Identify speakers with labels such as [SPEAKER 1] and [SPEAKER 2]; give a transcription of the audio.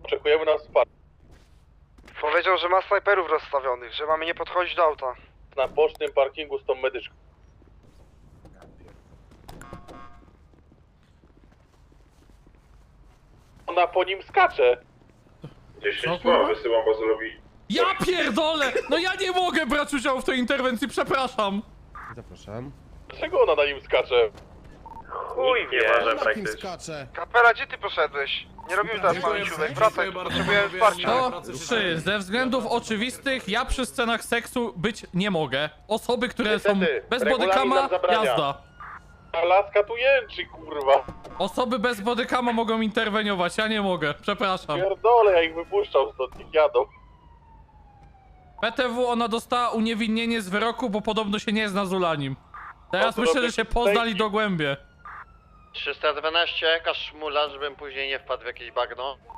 [SPEAKER 1] Oczekujemy na wsparcie.
[SPEAKER 2] Powiedział, że ma snajperów rozstawionych, że mamy nie podchodzić do auta.
[SPEAKER 1] Na bocznym parkingu z tą medyczką. Ona po nim skacze.
[SPEAKER 3] 10
[SPEAKER 4] kurwa?
[SPEAKER 3] wysyłam bazulowi.
[SPEAKER 4] Ja pierdolę! No ja nie mogę brać udziału w tej interwencji, przepraszam!
[SPEAKER 5] Zapraszam.
[SPEAKER 1] Dlaczego ona na nim skacze?
[SPEAKER 2] Chuj
[SPEAKER 3] Nie
[SPEAKER 2] wie.
[SPEAKER 3] może
[SPEAKER 5] Na kim
[SPEAKER 3] praktycznie.
[SPEAKER 5] skacze?
[SPEAKER 2] Kapela, gdzie ty poszedłeś? Nie robimy teraz pamięciówek, wracaj, tu potrzebujemy wsparcia.
[SPEAKER 4] To 3. Ze względów oczywistych ja przy scenach seksu być nie mogę. Osoby, które są
[SPEAKER 1] Niestety,
[SPEAKER 4] bez
[SPEAKER 1] regulamin
[SPEAKER 4] bodykama,
[SPEAKER 1] nam zabrania.
[SPEAKER 4] jazda.
[SPEAKER 1] A laska tu jęczy, kurwa.
[SPEAKER 4] Osoby bez bodykama mogą interweniować, ja nie mogę, przepraszam.
[SPEAKER 1] Pierdolę, ja ich wypuszczał stąd, niech jadą.
[SPEAKER 4] PTW ona dostała uniewinnienie z wyroku, bo podobno się nie zna z Ulanim. Teraz
[SPEAKER 1] to
[SPEAKER 4] myślę,
[SPEAKER 1] robię
[SPEAKER 4] że się poznali
[SPEAKER 1] fake.
[SPEAKER 4] dogłębnie.
[SPEAKER 6] 312, jakaś szmula, żebym później nie wpadł w jakieś bagno.